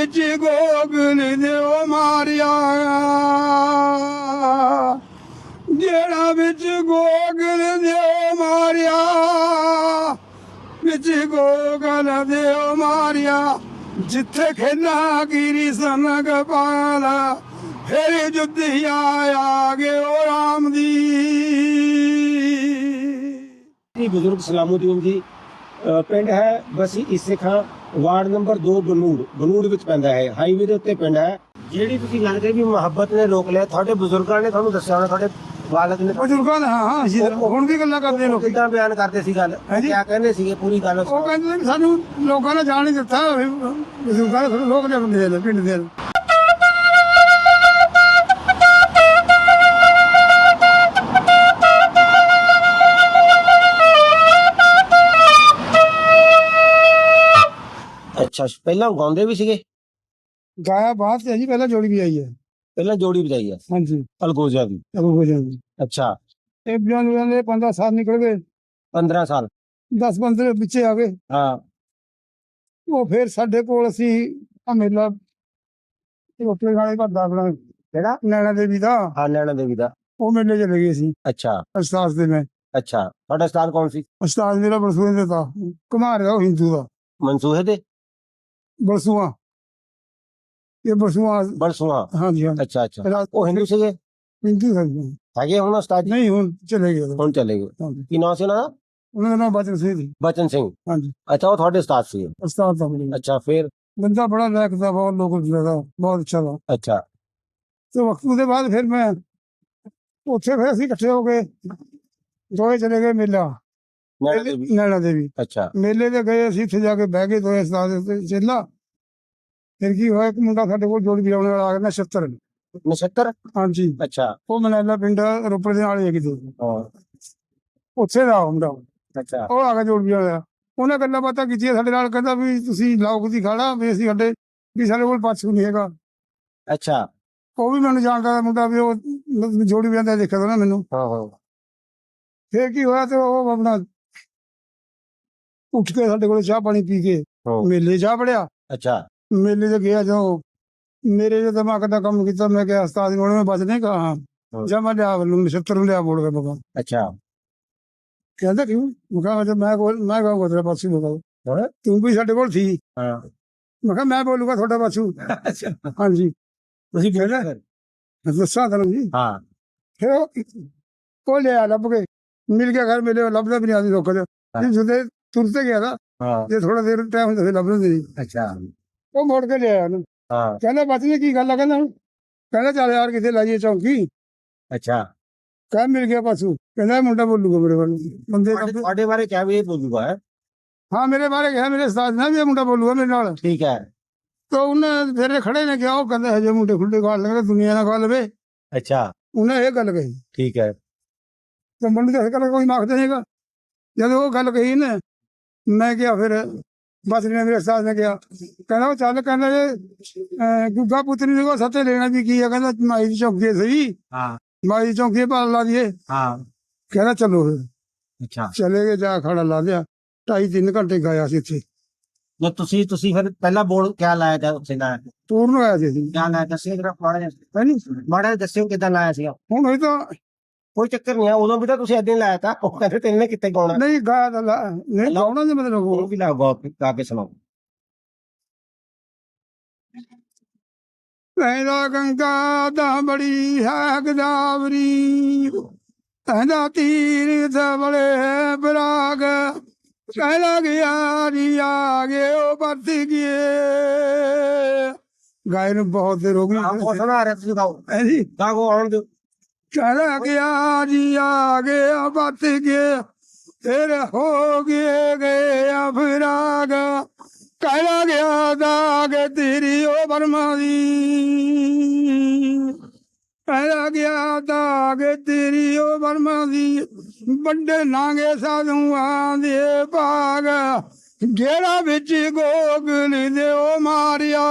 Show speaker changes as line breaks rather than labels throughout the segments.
ਵਿੱਚ ਗੋਗਲ ਦਿਓ ਮਾਰਿਆ ਜਿਹੜਾ ਵਿੱਚ ਗੋਗਲ ਦਿਓ ਮਾਰਿਆ ਵਿੱਚ ਗੋਗਲ ਦਿਓ ਮਾਰਿਆ ਜਿੱਥੇ ਖੇਲਾ ਗਿਰੀ ਸਨਗ ਪਾਲਾ ਫਿਰ ਜੁੱਧਿਆ ਆ ਗਏ ਉਹ ਰਾਮ ਦੀ।
ਬਜ਼ੁਰਗ ਸਲਾਮੁਦੀਨ ਜੀ ਪਿੰਡ ਹੈ ਬਸੀ ਇਸੇ ਖਾਂ ਵਾਰਡ ਨੰਬਰ 2 ਬਨੂੜ ਵਿੱਚ ਪੈਂਦਾ ਹੈ। ਹਾਈਵੇ ਦੇ ਉੱਤੇ ਪਿੰਡ ਹੈ। ਜਿਹੜੀ ਤੁਸੀਂ ਲੱਗਦੇ ਵੀ ਮੁਹੱਬਤ ਨੇ ਰੋਕ ਲਿਆ, ਤੁਹਾਡੇ ਬਜ਼ੁਰਗਾਂ ਨੇ ਤੁਹਾਨੂੰ ਦੱਸਿਆ ਹੋਣਾ, ਤੁਹਾਡੇ ਵਾਲਦ ਨੇ
ਬਜ਼ੁਰਗਾਂ ਨੇ ਹਾਂ ਹੁਣ ਵੀ ਗੱਲਾਂ ਕਰਦੇ ਲੋਕ
ਕਿੱਦਾਂ ਬਿਆਨ ਕਰਦੇ ਸੀ ਗੱਲ, ਕਿਆ ਕਹਿੰਦੇ ਸੀਗੇ ਪੂਰੀ ਗੱਲ?
ਉਹ ਕਹਿੰਦੇ ਨੇ ਸਾਨੂੰ ਲੋਕਾਂ ਨੇ ਜਾਣ ਨਹੀਂ ਦਿੱਤਾ, ਬਜ਼ੁਰਗਾਂ ਨੇ ਲੋਕ ਲਿਆਉਂਦੇ ਨੇ ਪਿੰਡ ਦੇ।
ਅੱਛਾ, ਪਹਿਲਾਂ ਗਾਉਂਦੇ ਵੀ ਸੀਗੇ?
ਗਾਇਆ ਬਾਅਦ ਤੇ ਜੀ, ਪਹਿਲਾਂ ਜੋੜੀ ਵੀ ਆਈ ਹੈ।
ਪਹਿਲਾਂ ਜੋੜੀ ਵਜਾਈ ਹੈ?
ਹਾਂਜੀ,
ਅਲਗੋਜਾ ਵੀ। ਅੱਛਾ,
ਇਹ ਦੇ 15 ਸਾਲ ਨਿਕਲ ਗਏ।
15 ਸਾਲ
10-15 ਪਿੱਛੇ ਆ ਗਏ।
ਹਾਂ,
ਉਹ ਫਿਰ ਸਾਡੇ ਕੋਲ ਅਸੀਂ ਆ ਮੇਲਾ ਰੋਟੇ ਖਾਣੇ ਭਰਦਾ ਆਪਣਾ
ਕਿਹੜਾ?
ਨੈਣਾ ਦੇਵੀ ਦਾ।
ਹਾਂ, ਨੈਣਾ ਦੇਵੀ ਦਾ।
ਉਹ ਮੇਲੇ ਚਲੇ ਗਏ ਸੀ।
ਅੱਛਾ,
ਉਸਤਾਦ ਦੇ ਮੈਂ।
ਅੱਛਾ, ਤੁਹਾਡਾ ਉਸਤਾਦ ਕੌਣ ਸੀ?
ਉਸਤਾਦ ਮੇਰਾ ਬਰਸੂਏ ਦੇ था, ਕੁਮਾਰ ਦਾ, ਉਹ ਹਿੰਦੂ ਦਾ।
ਮਨਸੂਹੇ ਦੇ?
ਬਰਸੂਆ, ਇਹ ਬਰਸੂਆ।
ਬਰਸੂਆ?
ਹਾਂਜੀ ਹਾਂ।
ਅੱਛਾ ਅੱਛਾ, ਉਹ ਹਿੰਦੂ ਸੀਗੇ?
ਹਿੰਦੂ ਹੈਗੇ
ਹੁਣ ਉਸਤਾਦ ਜੀ?
ਨਹੀਂ, ਹੁਣ ਚਲੇ ਗਏ।
ਹੁਣ ਚਲੇ ਗਏ। ਕੀ ਨਾਮ ਸੀ ਉਹਨਾਂ ਦਾ?
ਉਹਨਾਂ ਦਾ ਨਾਮ ਬਚਨ ਸਿੰਘ ਸੀ।
ਬਚਨ ਸਿੰਘ?
ਹਾਂਜੀ।
ਅੱਛਾ, ਉਹ ਤੁਹਾਡੇ ਉਸਤਾਦ ਸੀ?
ਉਸਤਾਦ ਦਾ ਬਣੀ।
ਅੱਛਾ, ਫਿਰ?
ਬੰਦਾ ਬੜਾ ਲਾਇਕ ਦਾ, ਬਹੁਤ ਲੋਕ ਦਾ, ਬਹੁਤ ਅੱਛਾ ਦਾ।
ਅੱਛਾ,
ਤੇ ਵਕਤ ਦੇ ਬਾਅਦ ਫਿਰ ਮੈਂ ਉੱਥੇ ਫਿਰ ਅਸੀਂ ਇਕੱਠੇ ਹੋ ਕੇ ਦੋਏ ਚਲੇ ਗਏ ਮੇਲਾ ਨੈਣਾ ਦੇਵੀ।
ਅੱਛਾ,
ਮੇਲੇ ਤੇ ਗਏ ਅਸੀਂ, ਉੱਥੇ ਜਾ ਕੇ ਬਹਿ ਗਏ ਦੋਏ ਉਸਤਾਦ ਤੇ ਚੇਲਾ। ਫਿਰ ਕੀ ਹੋਇਆ, ਇੱਕ ਮੁੰਡਾ ਸਾਡੇ ਕੋਲ ਜੋੜੀ ਵਜਾਉਣ ਵਾਲਾ ਆ ਗਿਆ, ਨਛੱਤਰ। ਹਾਂਜੀ।
ਅੱਛਾ,
ਉਹ ਮਨੈਲਾ ਪਿੰਡ ਰੋਪੜ ਦੇ ਨਾਲ ਹੀ ਹੈ ਕਿਤੇ,
ਹਾਂ,
ਉੱਥੇ ਦਾ ਮੁੰਡਾ।
ਅੱਛਾ,
ਉਹ ਆ ਗਿਆ ਜੋੜੀ ਵਾਲਾ। ਉਹਨੇ ਗੱਲਾਂ ਬਾਤਾਂ ਕੀਤੀਆਂ ਸਾਡੇ ਨਾਲ, ਕਹਿੰਦਾ ਵੀ ਤੁਸੀਂ ਲਾਓ ਕਿਤੇ ਖਾਣਾ, ਵੀ ਅਸੀਂ ਸਾਡੇ ਕੋਲ ਪਾਛੂ ਨਹੀਂ ਹੈਗਾ।
ਅੱਛਾ,
ਉਹ ਵੀ ਮੈਨੂੰ ਜਾਣਦਾ ਦਾ ਮੁੰਡਾ, ਵੀ ਉਹ ਜੋੜੀ ਵਜਾਉਂਦਾ ਦੇਖਿਆ ਤਾਂ ਨਾ ਮੈਨੂੰ।
ਹਾਂ ਹਾਂ।
ਫਿਰ ਕੀ ਹੋਇਆ, ਤੇ ਉਹ ਆਪਣਾ ਉੱਠ ਕੇ ਸਾਡੇ ਕੋਲ ਚਾਹ ਪਾਣੀ ਪੀ ਕੇ ਮੇਲੇ ਜਾ ਵੜਿਆ।
ਅੱਛਾ,
ਮੇਲੇ ਤੇ ਗਿਆ, ਜੋ ਮੇਰੇ ਜੋ ਦਿਮਾਗ ਦਾ ਕੰਮ ਕੀਤਾ, ਮੈਂ ਕਿਹਾ ਉਸਤਾਦ ਨੂੰ ਮੈਂ ਬਚਨੇ ਕਹਾ ਜਾਂ ਮੈਂ ਲਿਆ ਨਛੱਤਰ ਨੂੰ ਲਿਆ ਬੋਲ ਕੇ ਬਗਾ।
ਅੱਛਾ,
ਕਹਿੰਦਾ ਕਿਉਂ? ਮੈਂ ਕਿਹਾ ਮੈਂ ਕਹੂੰਗਾ ਤੇਰਾ ਪਾਸੂ ਬਗਾ, ਤੂੰ ਵੀ ਸਾਡੇ ਕੋਲ ਸੀ।
ਹਾਂ,
ਮੈਂ ਕਿਹਾ ਮੈਂ ਬੋਲੂਗਾ ਤੁਹਾਡਾ ਪਾਸੂ।
ਅੱਛਾ,
ਹਾਂਜੀ,
ਤੁਸੀਂ
ਕਹਿੰਦਾ ਦੱਸਾਂ ਤੁਹਾਨੂੰ ਜੀ।
ਹਾਂ,
ਫਿਰ ਉਹ ਲਿਆ ਲੱਭ ਕੇ, ਮਿਲ ਗਿਆ ਘਰ ਮੇਲੇ, ਲੱਭਦਾ ਵੀ ਨਹੀਂ ਆਦੀ ਲੋਕਾਂ ਦੇ ਜੁਦੇ ਤੁਰਤੇ ਗਿਆ ਨਾ।
ਹਾਂ,
ਜੇ ਥੋੜਾ ਦੇਰ ਟਾਈਮ ਹੁੰਦਾ ਸੀ ਲੱਭਦੇ ਨਹੀਂ।
ਅੱਛਾ,
ਉਹ ਮੁੜ ਕੇ ਲਿਆਇਆ ਉਹਨੂੰ।
ਹਾਂ,
ਕਹਿੰਦਾ ਬਚਨੇ ਕੀ ਗੱਲ ਆ? ਕਹਿੰਦਾ ਚੱਲ ਯਾਰ ਕਿਤੇ ਲਾਈਏ ਚੌਂਕੀ।
ਅੱਛਾ,
ਕਹਿ ਮਿਲ ਗਿਆ ਪਾਸੂ। ਕਹਿੰਦਾ ਇਹ ਮੁੰਡਾ ਬੋਲੂਗਾ ਮੇਰੇ ਵੱਲ, ਬੰਦੇ
ਤੁਹਾਡੇ ਬਾਰੇ ਕਿਆ ਵੀ ਇਹ ਬੋਲੂਗਾ?
ਹਾਂ, ਮੇਰੇ ਬਾਰੇ ਕਿਹਾ, ਮੇਰੇ ਉਸਤਾਦ ਨੇ ਵੀ ਇਹ ਮੁੰਡਾ ਬੋਲੂਗਾ ਮੇਰੇ ਨਾਲ।
ਠੀਕ ਹੈ।
ਤਾਂ ਉਹਨੇ ਫਿਰ ਖੜੇ ਨੇ ਕਿਹਾ, ਉਹ ਕਹਿੰਦਾ ਹਜੇ ਮੁੰਡੇ ਖੁੱਡੇ ਖਾ ਲੈਣਗੇ, ਦੁਨੀਆ ਨਾ ਖਾ ਲਵੇ।
ਅੱਛਾ,
ਉਹਨੇ ਇਹ ਗੱਲ ਕਹੀ।
ਠੀਕ ਹੈ।
ਤੇ ਮੁੰਡੇ ਦਾ ਗੱਲ ਕੋਈ ਮਾਖਦਾ ਨਹੀਂਗਾ। ਜਦੋਂ ਉਹ ਗੱਲ ਕਹੀ ਨਾ, ਮੈਂ ਕਿਹਾ ਫਿਰ ਬਸ ਨੇ ਮੇਰੇ ਉਸਤਾਦ ਨੇ ਕਿਹਾ, ਕਹਿੰਦਾ ਉਹ ਚੱਲ, ਕਹਿੰਦਾ ਜੇ ਗੁੱਗਾ ਪੁੱਤਰੀ ਦੇ ਕੋਲ ਸੱਤੇ ਲੈਣਾ ਵੀ ਕੀ ਆ, ਕਹਿੰਦਾ ਮਾਈ ਦੀ ਚੌਂਕੀ ਸਹੀ।
ਹਾਂ,
ਮਾਈ ਦੀ ਚੌਂਕੀ ਭਾਲ ਲਾ ਦਈਏ।
ਹਾਂ,
ਕਹਿੰਦਾ ਚਲੋ ਫਿਰ।
ਅੱਛਾ,
ਚਲੇ ਗਏ, ਜਾ ਖੜਾ ਲਾ ਲਿਆ। 2.5-3 ਘੰਟੇ ਗਾਇਆ ਸੀ ਇੱਥੇ।
ਜੇ ਤੁਸੀਂ ਫਿਰ ਪਹਿਲਾਂ ਬੋਲ ਕਿਆ ਲਾਇਆ था ਉੱਥੇ ਲਾਇਆ
ਪੂਰਨ ਹੋਇਆ ਸੀ ਅਸੀਂ।
ਕਿਆ ਲਾਇਆ ਦੱਸਿਓ ਜਰਾ ਮਾੜਾ ਜਿਹਾ
ਹੈਨੀ
ਮਾੜਾ ਜਿਹਾ ਦੱਸਿਓ ਕਿੱਦਾਂ ਲਾਇਆ ਸੀਗਾ।
ਹੁਣ ਇਹ ਤਾਂ
ਕੋਈ ਚੱਕਰ ਨਹੀਂ ਆ, ਉਦੋਂ ਵੀ ਤਾਂ ਤੁਸੀਂ ਏਦਾਂ ਹੀ ਲਾਇਆ ਤਾ। ਉਹ ਕਹਿੰਦੇ ਤੈਨੂੰ ਕਿੱਥੇ ਗਾਉਣਾ?
ਨਹੀਂ ਗਾਇਆ ਤਾਂ ਨਹੀਂ ਗਾਉਣਾ ਦੇ ਮਤਲਬ
ਉਹ ਵੀ ਲਾ ਗਾ ਕੇ ਸੁਣਾਓ।
ਕਹਿੰਦਾ ਗੰਗਾ ਦਾ ਬੜੀ ਹੈ ਗਦਾਵਰੀ, ਕਹਿੰਦਾ ਤੀਰ ਬੜੇ ਬਰਾਗ, ਕਹਿੰਦਾ ਗਿਆ ਜੀ ਆ ਗਏ ਉਹ ਵਰਤ ਗਏ। ਗਾਇ ਨੂੰ ਬਹੁਤ ਦੇਰ ਹੋ ਗਈ।
ਸੁਣਾ ਰਿਹਾ ਤੁਸੀਂ ਗਾਓ
ਜੀ,
ਗਾਓ ਆਉਣ ਦਿਓ।
ਕਹਿੰਦਾ ਗਿਆ ਜੀ ਆ ਗਿਆ ਵਰਤ ਗਏ, ਫਿਰ ਹੋ ਗਏ ਫਿਰਾਗ, ਕਹਿੰਦਾ ਗਿਆ ਦਾਗ ਤੇਰੀ ਉਹ ਬਰਮਾ ਦੀ, ਕਹਿੰਦਾ ਗਿਆ ਦਾਗ ਤੇਰੀ ਉਹ ਬਰਮਾ ਦੀ, ਵੱਡੇ ਨਾਂਗੇ ਸਾਧੂਆਂ ਦੇ ਭਾਗ, ਜਿਹੜਾ ਵਿੱਚ ਗੋਗਲ ਦਿਓ ਮਾਰਿਆ,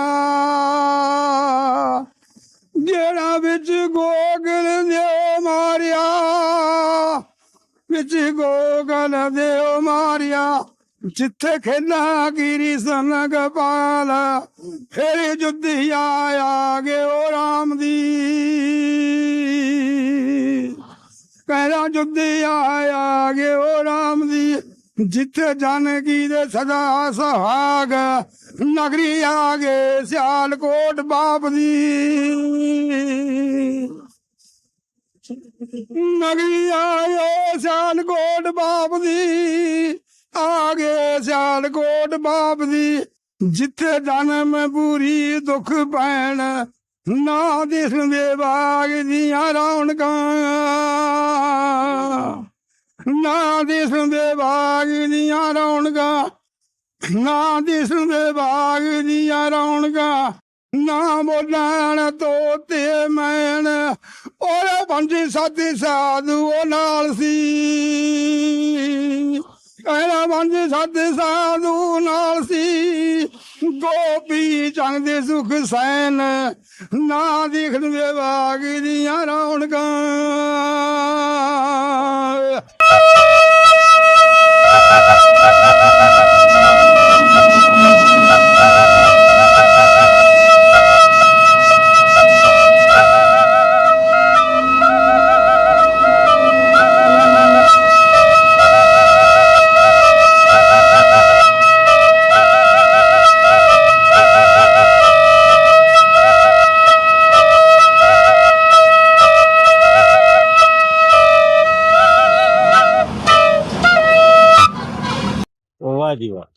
ਜਿਹੜਾ ਵਿੱਚ ਗੋਗਲ ਦਿਓ ਮਾਰਿਆ, ਵਿੱਚ ਗੋਗਲ ਦਿਓ ਮਾਰਿਆ, ਜਿੱਥੇ ਖੇਲਾਂ ਕੀਰੀ ਸਨਗ ਪਾਲ ਫਿਰ ਜੁੱਧੀ ਆਇਆ ਗੇ ਉਹ ਰਾਮ ਦੀ ਕਹਿਰਾ ਜੁੱਧੀ ਆਇਆ ਗੇ ਉਹ ਰਾਮ ਦੀ ਜਿੱਥੇ ਜਾਨਕੀ ਦੇ ਸਦਾ ਸੁਹਾਗ ਨਗਰੀ ਆ ਗਏ ਸਿਆਲਕੋਟ ਬਾਪ ਦੀ ਨਗਰੀ ਆਇਓ ਸਿਆਲਕੋਟ ਬਾਪ ਦੀ ਆ ਗਏ ਸਿਆਲਕੋਟ ਬਾਪ ਦੀ ਜਿੱਥੇ ਜਨਮ ਪੂਰੀ ਦੁੱਖ ਪੈਣ ਨਾ ਦਿਸਦੇ ਬਾਗ ਦੀਆਂ ਰੌਣਕਾਂ ਨਾ ਦਿਸਦੇ ਬਾਗ ਦੀਆਂ ਰੌਣਕਾਂ ਨਾ ਦਿਸਦੇ ਬਾਗ ਦੀਆਂ ਰੌਣਕਾਂ ਨਾ ਬੋਲਣ ਤੋਤੇ ਮੈਨ ਉਹਦੇ ਪੰਜੀ ਸਾਥੀ ਸਾਧੂ ਉਹ ਨਾਲ ਸੀ ਕਹਿਣਾ ਪੰਜੀ ਸਾਥੀ ਸਾਧੂ ਨਾਲ ਸੀ ਗੋਪੀ ਚੰਗ ਦੇ ਸੁਖ ਸੈਨ ਨਾ ਦਿਖਦੇ ਬਾਗ ਦੀਆਂ ਰੌਣਕਾਂ
ਵਾਹ ਜੀ ਵਾਹ।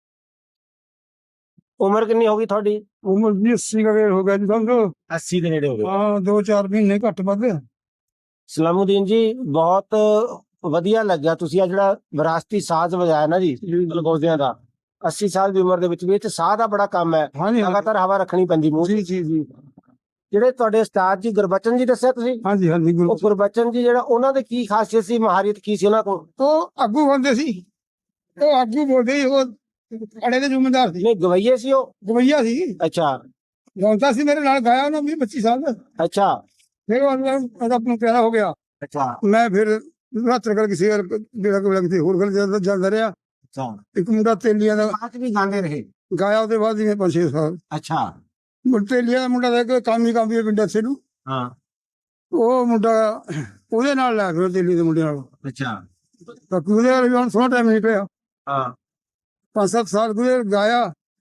ਉਮਰ ਕਿੰਨੀ ਹੋ ਗਈ ਤੁਹਾਡੀ?
ਉਮਰ ਜੀ 80 ਦਾ ਵੇਰ ਹੋ ਗਿਆ ਜੀ ਸਮਝੋ
80 ਦੇ ਨੇੜੇ ਹੋ ਗਏ।
ਹਾਂ 2-4 ਮਹੀਨੇ ਘੱਟ ਵੱਧ
ਸਲਾਮੁਦੀਨ ਜੀ ਬਹੁਤ ਵਧੀਆ ਲੱਗਿਆ ਤੁਸੀਂ ਆ ਜਿਹੜਾ ਵਿਰਾਸਤੀ ਸਾਜ਼ ਵਜਾਇਆ ਨਾ ਜੀ ਗਲਗੋਜ਼ਿਆਂ ਦਾ 80 ਸਾਲ ਦੀ ਉਮਰ ਦੇ ਵਿੱਚ ਵੀ ਇਹ 'ਚ ਸਾਹ ਦਾ ਬੜਾ ਕੰਮ ਹੈ,
ਹਾਂਜੀ
ਲਗਾਤਾਰ ਹਵਾ ਰੱਖਣੀ ਪੈਂਦੀ ਮੂੰਹ 'ਚ।
ਜੀ ਜੀ ਜੀ
ਜਿਹੜੇ ਤੁਹਾਡੇ ਉਸਤਾਦ ਜੀ ਗੁਰਬਚਨ ਜੀ ਦੱਸਿਆ ਤੁਸੀਂ,
ਹਾਂਜੀ ਹਾਂਜੀ ਗੁਰੂ
ਉਹ ਗੁਰਬਚਨ ਜੀ ਜਿਹੜਾ ਉਹਨਾਂ ਦੇ ਕੀ ਖਾਸੀਅਤ ਸੀ, ਮਹਾਰੀਅਤ ਕੀ ਸੀ ਉਹਨਾਂ ਕੋਲ?
ਉਹ ਆਗੂ ਬੰਦੇ ਸੀ, ਉਹ ਆਗੂ ਬੋਲਦੇ ਸੀ, ਉਹ ਅੜੇ ਦੇ ਜ਼ਿੰਮੇਦਾਰ ਸੀ,
ਨਹੀਂ ਗਵਈਏ ਸੀ ਉਹ?
ਗਵਈਆ ਸੀ,
ਅੱਛਾ
ਗਾਉਂਦਾ ਸੀ, ਮੇਰੇ ਨਾਲ ਗਾਇਆ ਉਹਨਾਂ 20-25 ਸਾਲ।
ਅੱਛਾ
ਫਿਰ ਉਹ ਆਪਣਾ ਪਿਆਰਾ ਹੋ ਗਿਆ।
ਅੱਛਾ
ਮੈਂ ਫਿਰ ਰਾਤਰ ਕਰ ਕਿਸੇ ਜਿਹੜਾ ਕੋਲ ਕਿਤੇ ਹੋਰ ਗੱਲ ਜਾਂਦਾ ਰਿਹਾ।
ਅੱਛਾ
ਇੱਕ ਮੁੰਡਾ ਤੇਲੀਆਂ ਦਾ
ਬਾਅਦ ਵੀ ਗਾਉਂਦੇ ਰਹੇ?
ਗਾਇਆ, ਉਹਦੇ ਬਾਅਦ ਜਿਵੇਂ 5-6 ਸਾਲ
ਅੱਛਾ
ਤੇਲੀਆਂ ਦਾ ਮੁੰਡਾ ਦਾ ਕੰਮ ਹੀ ਪਿੰਡ ਇੱਥੇ ਨੂੰ,
ਹਾਂ
ਉਹ ਮੁੰਡਾ ਉਹਦੇ ਨਾਲ ਲੈ ਫਿਰ ਤੇਲੀ ਦੇ ਮੁੰਡੇ ਨਾਲ
ਅੱਛਾ
ਬਾਕੀ ਉਹਦੇ ਨਾਲ ਵੀ ਹੁਣ ਸੋਹਣਾ ਟਾਈਮ ਨਹੀਂ ਪਿਆ।
ਹਾਂ
5-7 ਸਾਲ ਗੁਜ਼ਰ ਗਾਇਆ,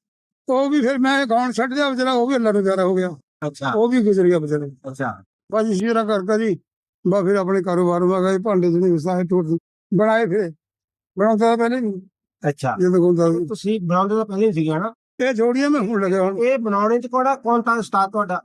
ਉਹ ਵੀ ਫਿਰ ਮੈਂ ਗਾਉਣ ਛੱਡ ਦਿਆ ਵਿਚਾਰਾ, ਉਹ ਵੀ ਅੱਲਾ ਨੂੰ ਪਿਆਰਾ ਹੋ ਗਿਆ,
ਅੱਛਾ
ਉਹ ਵੀ ਗੁਜ਼ਰ ਗਿਆ ਵਿਚਾਰਾ।
ਅੱਛਾ
ਬਸ ਇਸੇ ਤਰ੍ਹਾਂ ਕਰਦਾ ਜੀ। ਬਸ ਫਿਰ ਆਪਣੇ ਕਾਰੋਬਾਰ ਮਾ ਗਏ, ਭਾਂਡੇ ਜਿਹੜੇ ਵਸਾਏ ਟੋਟ ਬਣਾਏ, ਫਿਰ ਬਣਾਉਂਦਾ ਤਾਂ ਪਹਿਲੇ ਨਹੀਂ
ਅੱਛਾ
ਜਦੋਂ ਗਾਉਂਦਾ ਸੀ।
ਤੁਸੀਂ ਬਣਾਉਂਦੇ ਤਾਂ ਪਹਿਲੇ ਹੀ ਸੀਗੇ ਨਾ?
ਇਹ ਜੋੜੀਆਂ ਮੈਂ ਹੁਣ ਲੱਗਿਆ, ਹੁਣ
ਇਹ ਬਣਾਉਣੇ ਚ ਕੌਣ ਤਾਂ ਉਸਤਾਦ ਤੁਹਾਡਾ?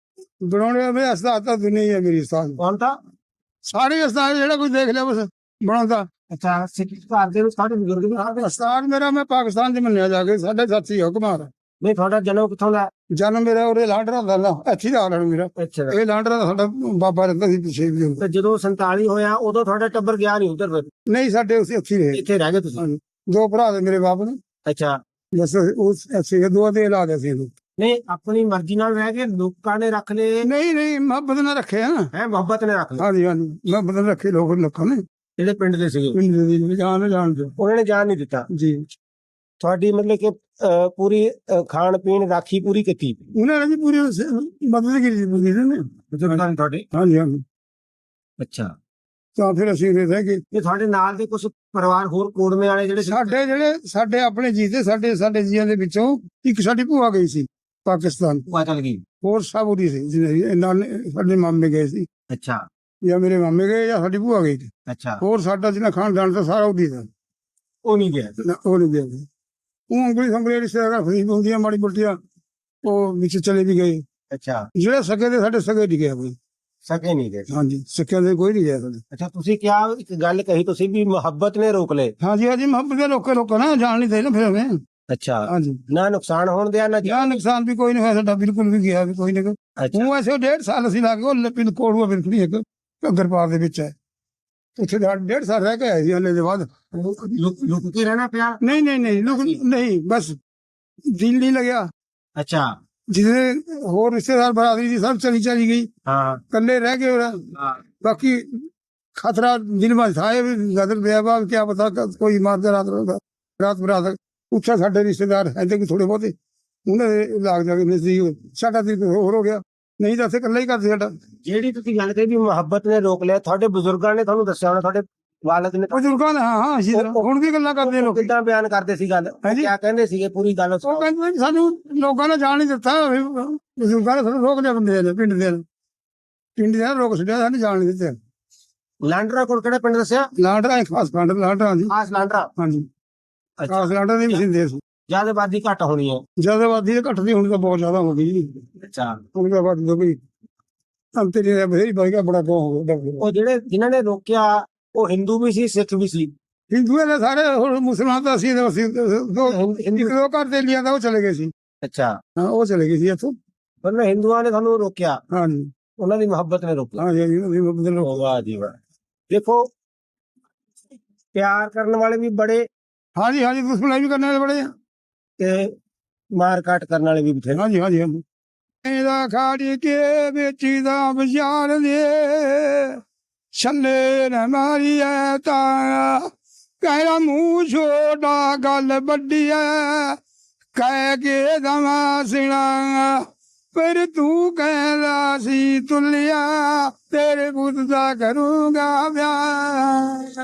ਬਣਾਉਣੇ ਮੇਰੇ ਉਸਤਾਦ ਤਾਂ ਦੁਨੀਆ ਹੀ ਹੈ ਮੇਰੀ ਉਸਤਾਦ,
ਕੌਣ ਤਾਂ?
ਸਾਰੇ ਉਸਤਾਦ ਜਿਹੜਾ ਕੋਈ ਦੇਖ ਲਿਆ ਬਸ ਬਣਾਉਂਦਾ।
ਅੱਛਾ ਸਿੱਖ ਘਰ ਦੇ ਵਿੱਚ ਸਾਡੇ ਬਜ਼ੁਰਗ ਵੀ ਆਉਂਦੇ?
ਉਸਤਾਦ ਮੇਰਾ ਮੈਂ ਪਾਕਿਸਤਾਨ ਚ ਮੰਨਿਆ ਜਾ ਕੇ, ਸਾਡੇ ਸਾਥੀ ਹੁਕਮਾਰ।
ਨਹੀਂ ਤੁਹਾਡਾ ਜਨਮ ਕਿੱਥੋਂ ਦਾ?
ਜਨਮ ਮੇਰਾ ਉਰੇ ਲਾਂਡਰਾ ਦਾ ਨਾ, ਇੱਥੇ ਦਾ ਆਲਣ ਮੇਰਾ,
ਅੱਛਾ
ਇਹ ਲਾਂਡਰਾ ਦਾ ਸਾਡਾ ਬਾਬਾ ਰਹਿੰਦਾ ਸੀ ਪਿੱਛੇ ਵੀ।
ਤੇ ਜਦੋਂ 47 ਹੋਇਆ ਉਦੋਂ ਤੁਹਾਡਾ ਟੱਬਰ ਗਿਆ ਨਹੀਂ ਉਧਰ, ਫਿਰ
ਨਹੀਂ ਸਾਡੇ ਉਸੇ ਇੱਥੇ ਹੀ ਰਹੇ,
ਇੱਥੇ ਰਹਿ ਗਏ ਤੁਸੀਂ?
ਦੋ ਭਰਾ ਦੇ ਮੇਰੇ ਬਾਪ ਨੇ,
ਅੱਛਾ
ਬਸ ਉਸ ਐਸੇ ਦੋ ਦੇ ਲਾ ਦੇ ਸੀ।
ਨਹੀਂ ਆਪਣੀ ਮਰਜ਼ੀ ਨਾਲ ਰਹਿ ਕੇ ਲੋਕਾਂ ਨੇ ਰੱਖ ਲਏ?
ਨਹੀਂ ਨਹੀਂ ਮੁਹੱਬਤ ਨਾਲ ਰੱਖੇ ਆ।
ਹੈ ਮੁਹੱਬਤ ਨੇ ਰੱਖ ਲਏ?
ਹਾਂਜੀ ਹਾਂਜੀ ਮੁਹੱਬਤ ਨਾਲ ਰੱਖੇ ਲੋਕਾਂ ਨੇ,
ਜਿਹੜੇ ਪਿੰਡ ਦੇ ਸੀਗੇ
ਪਿੰਡ ਦੇ ਜਾਣ ਦੇ
ਉਹਨਾਂ ਨੇ ਜਾਣ ਨਹੀਂ ਦਿੱਤਾ
ਜੀ।
ਤੁਹਾਡੀ ਮਤਲਬ ਕਿ ਪੂਰੀ ਖਾਣ ਪੀਣ ਰਾਖੀ ਪੂਰੀ ਕੀਤੀ
ਉਹਨਾਂ ਨੇ ਜੀ ਪੂਰੀ ਮਦਦ ਕੀਤੀ ਸੀ ਨੇ।
ਤੁਹਾਡੇ?
ਹਾਂਜੀ ਹਾਂਜੀ।
ਅੱਛਾ
ਤਾਂ ਫਿਰ ਅਸੀਂ ਰਹਿ ਗਏ।
ਇਹ ਤੁਹਾਡੇ ਨਾਲ ਦੇ ਕੁਝ ਪਰਿਵਾਰ ਹੋਰ ਕੋੜਮੇ ਵਾਲੇ ਜਿਹੜੇ
ਸਾਡੇ ਆਪਣੇ ਜੀ ਤੇ ਸਾਡੇ ਜੀਆਂ ਦੇ ਵਿੱਚੋਂ ਇੱਕ ਸਾਡੀ ਭੂਆ ਗਈ ਸੀ ਪਾਕਿਸਤਾਨ,
ਭੂਆ ਚਲ ਗਈ?
ਹੋਰ ਸਭ ਉਹਦੀ ਸੀ ਜਿਹਨੇ ਨਾਲ ਸਾਡੇ ਮਾਮੇ ਗਏ ਸੀ,
ਅੱਛਾ
ਜਾਂ ਮੇਰੇ ਮਾਮੇ ਗਏ ਜਾਂ ਸਾਡੀ ਭੂਆ ਗਈ ਸੀ।
ਅੱਛਾ
ਹੋਰ ਸਾਡਾ ਜਿਹਨਾਂ ਖਾਨਦਾਨ ਦਾ ਸਾਰਾ ਉਹਦੀ ਦਾ,
ਉਹ ਨਹੀਂ ਗਿਆ?
ਉਹ ਨਹੀਂ ਗਿਆ। ਉਹ ਉਂਗਲੀ ਸੰਗਲੀ ਰਿਸ਼ਤੇਦਾਰ ਫਰੀਦ ਹੁੰਦੀਆਂ ਮਾੜੀ ਮੋਟੀਆਂ, ਉਹ ਵਿੱਚ ਚਲੇ ਵੀ ਗਏ।
ਅੱਛਾ
ਜਿਹੜੇ ਸਕੇ ਦੇ ਸਾਡੇ ਸਕੇ ਨਹੀਂ ਗਿਆ ਕੋਈ।
ਸਕੇ ਨਹੀਂ ਗਏ?
ਹਾਂਜੀ ਸਕਿਆਂ ਦੇ ਕੋਈ ਨਹੀਂ ਗਿਆ ਸਾਡੇ।
ਅੱਛਾ ਤੁਸੀਂ ਕਿਹਾ ਇੱਕ ਗੱਲ ਕਹੀ ਤੁਸੀਂ ਵੀ ਮੁਹੱਬਤ ਨੇ ਰੋਕ ਲਏ?
ਹਾਂਜੀ ਹਾਂਜੀ ਮੁਹੱਬਤ ਦੇ ਲੋਕਾਂ ਨਾ ਜਾਣ ਨਹੀਂ ਦੇ ਨਾ ਫਿਰ ਹमें।
ਅੱਛਾ
ਹਾਂਜੀ
ਨਾ ਨੁਕਸਾਨ ਹੋਣ ਦਿਆ ਨਾ
ਜਾਂ ਨੁਕਸਾਨ ਵੀ ਕੋਈ ਨਹੀਂ ਹੋਇਆ ਸਾਡਾ, ਬਿਲਕੁਲ ਵੀ ਗਿਆ ਵੀ ਕੋਈ ਨਹੀਂ।
ਅੱਛਾ
ਉਹ ਐਸੇ 1.5 ਸਾਲ ਅਸੀਂ ਲਾ ਕੇ ਉਹ ਪਿੰਡ ਕੋੜੂਆ ਬਿਲਕੁਲ ਇੱਕ ਘੱਗਰਪਾਰ ਦੇ ਵਿੱਚ ਹੈ, ਉੱਥੇ 1.5 ਸਾਲ ਰਹਿ ਕੇ ਆਏ ਸੀ। ਹਲੇ ਦੇ ਬਾਅਦ
ਲੁਕ ਕੇ ਰਹਿਣਾ ਪਿਆ?
ਨਹੀਂ ਨਹੀਂ ਨਹੀਂ ਨਹੀਂ ਬਸ ਦਿਲ ਨਹੀਂ ਲੱਗਿਆ।
ਅੱਛਾ
ਜਿਹਦੇ ਹੋਰ ਰਿਸ਼ਤੇਦਾਰ ਬਰਾਦਰੀ ਦੀ ਸਭ ਚਲੀ ਗਈ,
ਹਾਂ
ਕੱਲੇ ਰਹਿ ਗਏ।
ਹਾਂ
ਬਾਕੀ खतरा दिल में था, गदर बेबाब क्या पता कोई मार दे रात होगा। ਰਾਤ ਬਰਾਤ ਉੱਥੇ ਸਾਡੇ ਰਿਸ਼ਤੇਦਾਰ ਐਦੇ ਕੋਈ ਥੋੜੇ ਬਹੁਤੇ ਉਹਨਾਂ ਦੇ ਲਾਗ ਜਾ ਕੇ ਸੀ ਸਾਡਾ ਤੇ ਹੋਰ ਹੋ ਗਿਆ, ਨਹੀਂ ਤਾਂ ਅਸੀਂ ਇਕੱਲਾ ਹੀ ਕਰਦੇ ਸਾਡਾ।
ਜਿਹੜੀ ਤੁਸੀਂ ਗੱਲ ਕਹੀ ਵੀ ਮੁਹੱਬਤ ਨੇ ਰੋਕ ਲਿਆ, ਤੁਹਾਡੇ ਬਜ਼ੁਰਗਾਂ ਨੇ ਤੁਹਾਨੂੰ ਦੱਸਿਆ ਹੋਣਾ, ਤੁਹਾਡੇ ਵਾਲਦ ਨੇ
ਬਜ਼ੁਰਗਾਂ ਨੇ ਹਾਂ ਇਸੇ ਤਰ੍ਹਾਂ ਹੁਣ ਵੀ ਗੱਲਾਂ ਕਰਦੇ ਲੋਕ।
ਕਿੱਦਾਂ ਬਿਆਨ ਕਰਦੇ ਸੀ ਗੱਲ,
ਹਾਂਜੀ।
ਕਿਆ ਕਹਿੰਦੇ ਸੀਗੇ ਪੂਰੀ ਗੱਲ
ਉਹ ਕਹਿੰਦੇ ਵੀ ਸਾਨੂੰ ਲੋਕਾਂ ਨੇ ਜਾਣ ਨਹੀਂ ਦਿੱਤਾ, ਬਜ਼ੁਰਗਾਂ ਨੇ ਸਾਨੂੰ ਰੋਕ ਲਿਆ, ਬੰਦੇ ਨੇ ਪਿੰਡ ਦੇ ਰੋਕ ਛੱਡਿਆ, ਸਾਨੂੰ ਜਾਣ ਨਹੀਂ ਦਿੱਤੇ।
ਲਾਂਡਰਾ ਕੋਲ ਕਿਹੜਾ ਪਿੰਡ ਦੱਸਿਆ?
ਲਾਂਡਰਾ ਖਾਸ ਪਿੰਡ ਲਾਂਡਰਾ ਜੀ,
ਖਾਸ ਲਾਂਡਰਾ।
ਹਾਂਜੀ
ਅੱਛਾ,
ਖਾਸ ਲਾਂਡਰਾ ਦੀ ਮਸ਼ੀਨ ਸੀ।
ਜਿਆਦਾ ਆਬਾਦੀ ਘੱਟ ਹੋਣੀ ਹੈ।
ਜ਼ਿਆਦਾ ਆਬਾਦੀ ਤਾਂ ਘੱਟਦੀ, ਹੁਣ ਤਾਂ ਬਹੁਤ ਜ਼ਿਆਦਾ ਹੋ ਗਈ ਜੀ।
ਅੱਛਾ,
ਹੁਣ ਤਾਂ ਆਬਾਦੀ ਹੋ ਗਈ ਅੰਤਰੀ ਦਾ ਬਥੇਰੀ ਵਧ ਗਿਆ, ਬੜਾ ਕੋ ਹੋ ਗਿਆ।
ਉਹ ਜਿਹੜੇ ਜਿਨ੍ਹਾਂ ਨੇ ਰੋਕਿਆ ਉਹ ਹਿੰਦੂ ਵੀ ਸੀ, ਸਿੱਖ ਵੀ ਸੀ।
ਹਿੰਦੂਆਂ ਦੇ ਸਾਰੇ, ਹੁਣ ਮੁਸਲਮਾਨ ਤਾਂ ਅਸੀਂ ਇੱਕ ਦੋ ਘਰ ਦੇ ਲਿਆ ਤਾਂ ਉਹ ਚਲੇ ਗਏ ਸੀ।
ਅੱਛਾ,
ਹਾਂ ਉਹ ਚਲੇ ਗਏ ਸੀ ਇੱਥੋਂ।
ਪਰ ਹਿੰਦੂਆਂ ਨੇ ਤੁਹਾਨੂੰ ਰੋਕਿਆ,
ਹਾਂਜੀ
ਉਹਨਾਂ ਦੀ ਮੁਹੱਬਤ ਨੇ ਰੋਕਿਆ।
ਹਾਂਜੀ ਹਾਂਜੀ
ਵਾਹ ਜੀ ਵਾਹ। ਦੇਖੋ ਪਿਆਰ ਕਰਨ ਵਾਲੇ ਵੀ ਬੜੇ
ਹਾਂਜੀ ਹਾਂਜੀ ਦੁਸ਼ਮਣ ਵੀ ਕਰਨੇ ਵਾਲੇ ਬੜੇ ਆ।
ਤੇ ਮਾਰ ਕਾਟ ਕਰਨ ਵਾਲੇ ਵੀ ਬਥੇਰੇ।
ਹਾਂਜੀ ਹਾਂਜੀ ਹਾਂਜੀ ਇਹਦਾ ਖਾੜੀ ਕੇ ਵੇਚੀ ਦਾ ਬਾਜ਼ਾਰ ਦੇ ਛੱਲੇ ਨਾ ਮਾਰੀਐ ਤਾਂ ਕਹਿਰਾ ਮੂੰਹ ਛੋਟਾ ਗੱਲ ਵੱਡੀ ਐ ਕਹਿ ਕੇ ਦਵਾ ਸਿਣਾ ਪਰ ਤੂੰ ਕਹਿੰਦਾ ਸੀ ਤੁਲਿਆ ਤੇਰੇ ਪੁੱਤ ਦਾ ਕਰੂੰਗਾ ਵਿਆਹ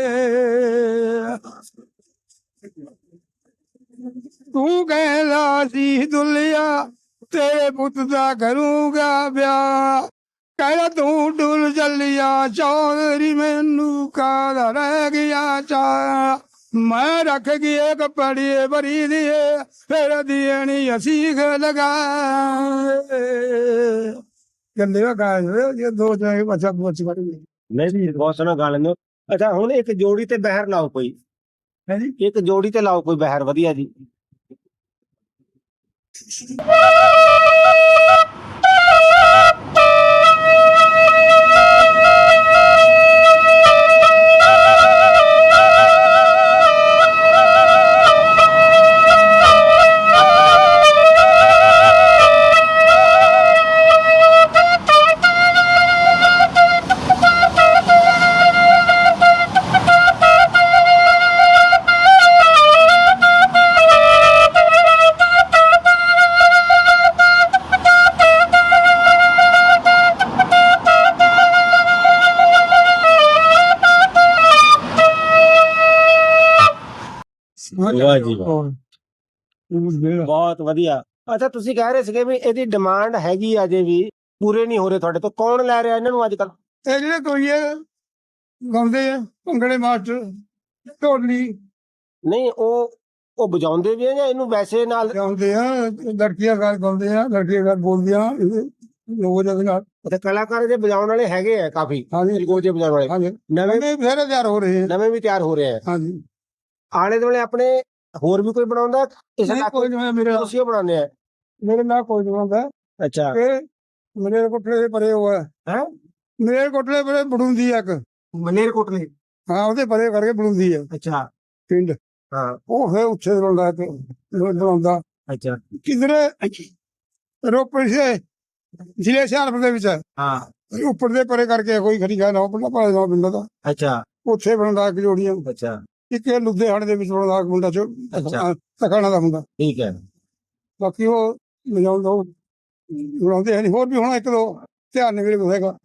ਤੂੰ ਕਹਿੰਦਾ ਸੀ ਦੁਲਿਆ ਤੇਰੇ ਪੁੱਤ ਦਾ ਕਰੂੰਗਾ ਵਿਆਹ ਕਹਿੰਦਾ ਤੂੰ ਡੁੱਲ ਚੱਲਿਆ ਚੌਧਰੀ ਮੈਨੂੰ ਕਾਹਦਾ ਰਹਿ ਗਿਆ ਚਾ ਮੈਂ ਰੱਖ ਗਈ ਕੱਪੜੇ ਬਰੀ ਦੀਏ ਫਿਰ ਦੇਣੀ ਅਸੀਂ ਲਗਾ ਗੰਦੇ ਵਾ ਗਾਇ ਇਹ ਦੋ ਚਾਹੇ ਬੱਚਾ ਬੋਚ ਬੜੀ
ਨਹੀਂ ਜੀ, ਬਹੁਤ ਸੋਹਣਾ ਗਾ ਲੈਂਦੇ ਹੋ। ਅੱਛਾ, ਹੁਣ ਇੱਕ ਜੋੜੀ ਤੇ ਬਹਿਰ ਲਾਓ ਕੋਈ।
ਹੈ ਜੀ।
ਇੱਕ ਜੋੜੀ ਤੇ ਲਾਓ ਕੋਈ ਬਹਿਰ ਵਧੀਆ ਜੀ। ਵਾਹ ਜੀ ਵਾਹ, ਬਹੁਤ ਵਧੀਆ। ਅੱਛਾ, ਤੁਸੀਂ ਕਹਿ ਰਹੇ ਸੀਗੇ ਵੀ ਇਹਦੀ ਡਿਮਾਂਡ ਹੈਗੀ ਅਜੇ ਵੀ ਪੂਰੇ ਨਹੀਂ ਹੋ ਰਹੇ ਤੁਹਾਡੇ ਤੋਂ, ਕੌਣ ਲੈ ਰਿਹਾ ਇਹਨਾਂ ਨੂੰ ਅੱਜ ਕੱਲ?
ਇਹ ਜਿਹੜੇ ਕੋਈ ਗਾਉਂਦੇ ਆ ਭੰਗੜੇ ਮਾਸਟਰ ਢੋਲੀ
ਨਹੀਂ, ਉਹ ਵਜਾਉਂਦੇ ਵੀ ਆ ਜਾਂ ਇਹਨੂੰ ਵੈਸੇ ਨਾਲ
ਗਾਉਂਦੇ ਆ, ਲੜਕੀਆਂ ਗਾਲ ਗਾਉਂਦੇ ਆ, ਲੜਕੀਆਂ ਗਾਲ ਬੋਲਦੀਆਂ ਲੋਕ ਜਦ ਨਾਲ।
ਤੇ ਕਲਾਕਾਰ ਜੇ ਵਜਾਉਣ ਵਾਲੇ ਹੈਗੇ ਆ ਕਾਫੀ,
ਹਾਂਜੀ
ਗੋਜੇ ਵਜਾਉਣ ਵਾਲੇ
ਹਾਂਜੀ
ਨਵੇਂ
ਨਵੇਂ ਬਥੇਰੇ ਤਿਆਰ ਹੋ ਰਹੇ ਆ।
ਨਵੇਂ ਵੀ ਤਿਆਰ ਹੋ ਰਹੇ ਆ।
ਹਾਂਜੀ
ਆਲੇ ਦੁਆਲੇ ਆਪਣੇ ਹੋਰ ਵੀ ਕੋਈ ਬਣਾਉਂਦਾ? ਇਸ
ਨਹੀਂ, ਕੋਈ ਨਹੀਂ ਮੇਰੇ
ਤੁਸੀਂ ਉਹ ਬਣਾਉਂਦੇ ਆ?
ਮੇਰੇ ਨਾਲ ਕੋਈ ਨਹੀਂ ਹੁੰਦਾ।
ਅੱਛਾ,
ਇਹ ਮੇਰੇ ਕੋਠੇ ਦੇ ਪਰੇ ਹੋਇਆ
ਹੈ
ਮੇਰੇ ਕੋਠੇ ਦੇ ਪਰੇ ਬੜੂੰਦੀ ਆ ਇੱਕ,
ਮਲੇਰ ਕੋਟਲੇ।
ਹਾਂ ਉਹਦੇ ਪਰੇ ਕਰਕੇ ਬੜੂੰਦੀ ਆ
ਅੱਛਾ,
ਪਿੰਡ।
ਹਾਂ,
ਉਹ ਫਿਰ ਉੱਥੇ ਬਣਦਾ ਤੇ ਬਣਾਉਂਦਾ
ਅੱਛਾ,
ਕਿਧਰੇ ਰੋਪੜ ਸੇ ਜ਼ਿਲ੍ਹੇ ਹੁਸ਼ਿਆਰਪੁਰ ਦੇ ਵਿੱਚ
ਹਾਂ,
ਉੱਪਰ ਦੇ ਪਰੇ ਕਰਕੇ ਕੋਈ ਖਰੀਦਾ ਨਾ ਪਿੰਡਾ ਭਾਲੇ ਦਾ ਪਿੰਡ ਦਾ
ਅੱਛਾ,
ਉੱਥੇ ਬਣਦਾ ਇੱਕ ਜੋੜੀਆਂ।
ਅੱਛਾ,
ਇੱਕ ਇਹ ਲੁਧਿਆਣੇ ਦੇ ਵਿੱਚ ਬਣਦਾ ਇੱਕ ਮੁੰਡਾ
ਅੱਛਾ।
ਤਖਾਣਾ ਦਾ ਮੁੰਡਾ।
ਠੀਕ ਹੈ।
ਬਾਕੀ ਉਹ ਵਜਾਉਂਦਾ ਉਹ ਬਣਾਉਂਦੇ ਹੈ ਨਹੀਂ। ਹੋਰ ਵੀ ਹੁਣ ਇੱਕ ਦੋ ਧਿਆਨ ਨਹੀਂ ਮੇਰੇ ਹੈਗਾ।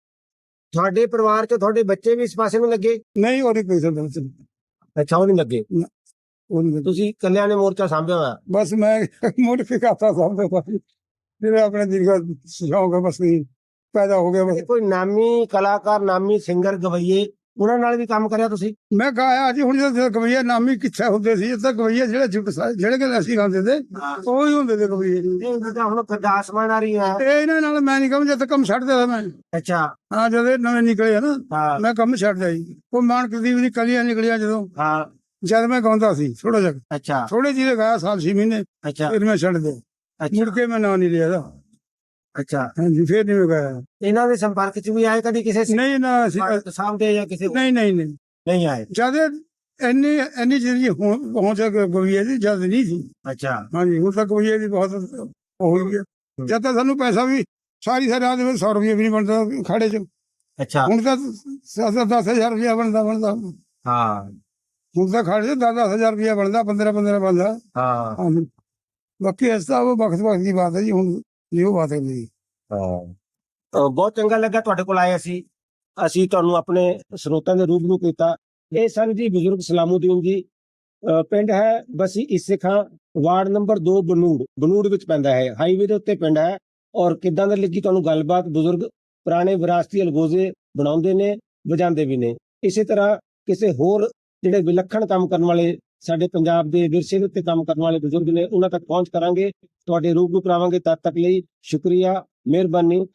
ਤੁਹਾਡੇ ਪਰਿਵਾਰ ਚ ਤੁਹਾਡੇ ਬੱਚੇ ਵੀ ਇਸ ਪਾਸੇ ਨੂੰ ਲੱਗੇ?
ਨਹੀਂ ਉਹ ਨਹੀਂ ਕੋਈ ਸਕਦਾ
ਅੱਛਾ, ਉਹ ਨਹੀਂ ਲੱਗੇ।
ਉਹ ਨਹੀਂ
ਤੁਸੀਂ ਕੱਲਿਆਂ ਨੇ ਮੋਰਚਾ ਸਾਂਭਿਆ ਹੋਇਆ?
ਬਸ ਮੈਂ ਮੋਡੀਫਿਕਾਤਾ ਸਮਝਦਾ ਬਾਕੀ ਜਿਹੜੇ ਆਪਣੇ ਦਿਲ ਦਾ ਸ਼ੌਕ ਹੈ ਬਸ ਨਹੀਂ ਪੈਦਾ ਹੋ ਗਿਆ ਬਸ।
ਕੋਈ ਨਾਮੀ ਕਲਾਕਾਰ, ਨਾਮੀ ਸਿੰਗਰ, ਗਵਈਏ, ਉਹਨਾਂ ਨਾਲ ਵੀ ਕੰਮ ਕਰਿਆ ਤੁਸੀਂ?
ਮੈਂ ਗਾਇਆ ਜੀ। ਹੁਣ ਜਦੋਂ ਗਵਈਏ ਨਾਮੀ ਕਿੱਥੇ ਹੁੰਦੇ ਸੀ, ਇੱਥੇ ਗਵਈਏ ਜਿਹੜੇ ਕਿ ਅਸੀਂ ਗਾਉਂਦੇ ਤੇ ਉਹ ਹੀ ਹੁੰਦੇ ਤੇ ਗਵਈਏ।
ਹੁਣ ਗਰਦਾਸ ਮਾਨ ਆ ਰਹੀ ਹੈ
ਇਹਨਾਂ ਨਾਲ ਮੈਂ ਨਹੀਂ ਕੰਮ, ਜਦ ਕੰਮ ਛੱਡ ਦਿਆ ਮੈਂ।
ਅੱਛਾ,
ਹਾਂ ਜਦੋਂ ਇਹ ਨਵੇਂ ਨਿਕਲੇ ਆ ਨਾ
ਹਾਂ,
ਮੈਂ ਕੰਮ ਛੱਡ ਦਿਆ ਜੀ। ਉਹ ਮਾਨ ਕੁਲਦੀਪ ਦੀ ਕਲੀਆਂ ਨਿਕਲੀਆਂ ਜਦੋਂ,
ਹਾਂ,
ਜਦ ਮੈਂ ਗਾਉਂਦਾ ਸੀ ਥੋੜਾ ਜਿਹਾ,
ਅੱਛਾ,
ਥੋੜੇ ਜਿਹੇ ਗਾਇਆ ਸਾਲ 6 ਮਹੀਨੇ,
ਅੱਛਾ,
ਫਿਰ ਮੈਂ ਛੱਡ ਦਿਆ।
ਅੱਛਾ,
ਮੁੜ ਕੇ ਮੈਂ ਨਾਂ ਨਹੀਂ ਲਿਆ ਇਹਦਾ।
ਅੱਛਾ।
ਹਾਂਜੀ ਫਿਰ ਨਹੀਂ ਮੈਂ ਗਾਇਆ।
ਇਹਨਾਂ ਦੇ ਸੰਪਰਕ ਚ ਵੀ ਆਏ ਕਦੀ ਕਿਸੇ
ਨਹੀਂ ਨਾ ਅਸੀਂ
ਸਾਹਮਣੇ ਜਾਂ ਕਿਸੇ
ਨਹੀਂ ਨਹੀਂ ਨਹੀਂ
ਨਹੀਂ ਆਏ?
ਜਦ ਇੰਨੀ ਜਿਹੜੀ ਪਹੁੰਚ ਗਵਈਏ ਦੀ ਜਦ ਨਹੀਂ ਸੀ।
ਅੱਛਾ,
ਹਾਂਜੀ ਹੁਣ ਤੱਕ ਗਵਈਏ ਦੀ ਬਹੁਤ ਹੋ ਗਈ ਹੈ। ਜਦ ਤੱਕ ਸਾਨੂੰ ਪੈਸਾ ਵੀ ਸਾਰੀ ਰਾਤ ਦੇ ਵਿੱਚ 100 ਰੁਪਏ ਵੀ ਨਹੀਂ ਬਣਦਾ ਖਾੜੇ ਚ।
ਅੱਛਾ,
ਹੁਣ ਤਾਂ 10,000 ਰੁਪਇਆ ਬਣਦਾ।
ਹਾਂ।
ਹੁਣ ਤਾਂ ਖਰਚ 10-10 ਹਜ਼ਾਰ ਰੁਪਇਆ ਬਣਦਾ, 15-15 ਬਣਦਾ।
ਹਾਂ
ਹਾਂਜੀ। ਬਾਕੀ ਇਸ ਤਾਂ ਉਹ ਵਕਤ ਦੀ ਬਾਤ ਹੈ ਜੀ, ਹੁਣ ਨਹੀਂ ਉਹ ਬਾਤ ਹੈ ਜੀ।
ਬਹੁਤ ਚੰਗਾ ਲੱਗਾ ਤੁਹਾਡੇ ਕੋਲ ਆਏ ਅਸੀਂ ਤੁਹਾਨੂੰ ਆਪਣੇ ਸਰੋਤਾਂ ਦੇ ਰੂਬਰੂ ਕੀਤਾ। ਇਹ ਸਨ ਜੀ ਬਜ਼ੁਰਗ ਸਲਾਮੂਦੀਨ ਜੀ। ਪਿੰਡ ਹੈ ਬਸੀ ਇਸੇ ਖਾਂ, ਵਾਰਡ ਨੰਬਰ 2 ਬਨੂੜ ਵਿੱਚ ਪੈਂਦਾ ਹੈ, ਹਾਈਵੇ ਦੇ ਉੱਤੇ ਪਿੰਡ ਹੈ। ਔਰ ਕਿੱਦਾਂ ਦੀ ਲੱਗੀ ਤੁਹਾਨੂੰ ਗੱਲਬਾਤ? ਬਜ਼ੁਰਗ ਪੁਰਾਣੇ ਵਿਰਾਸਤੀ ਅਲਗੋਜ਼ੇ ਬਣਾਉਂਦੇ ਨੇ, ਵਜਾਉਂਦੇ ਵੀ ਨੇ। ਇਸੇ ਤਰ੍ਹਾਂ ਕਿਸੇ ਹੋਰ ਜਿਹੜੇ ਵਿਲੱਖਣ ਕੰਮ ਕਰਨ ਵਾਲੇ, ਸਾਡੇ ਪੰਜਾਬ ਦੇ ਵਿਰਸੇ ਦੇ ਉੱਤੇ ਕੰਮ ਕਰਨ ਵਾਲੇ ਬਜ਼ੁਰਗ ਨੇ, ਉਹਨਾਂ ਤੱਕ ਪਹੁੰਚ ਕਰਾਂਗੇ, ਤੁਹਾਡੇ ਰੂਬਰੂ ਕਰਾਵਾਂਗੇ। ਤਦ ਤੱਕ ਲਈ ਸ਼ੁਕਰੀਆ, ਮਿਹਰਬਾਨੀ।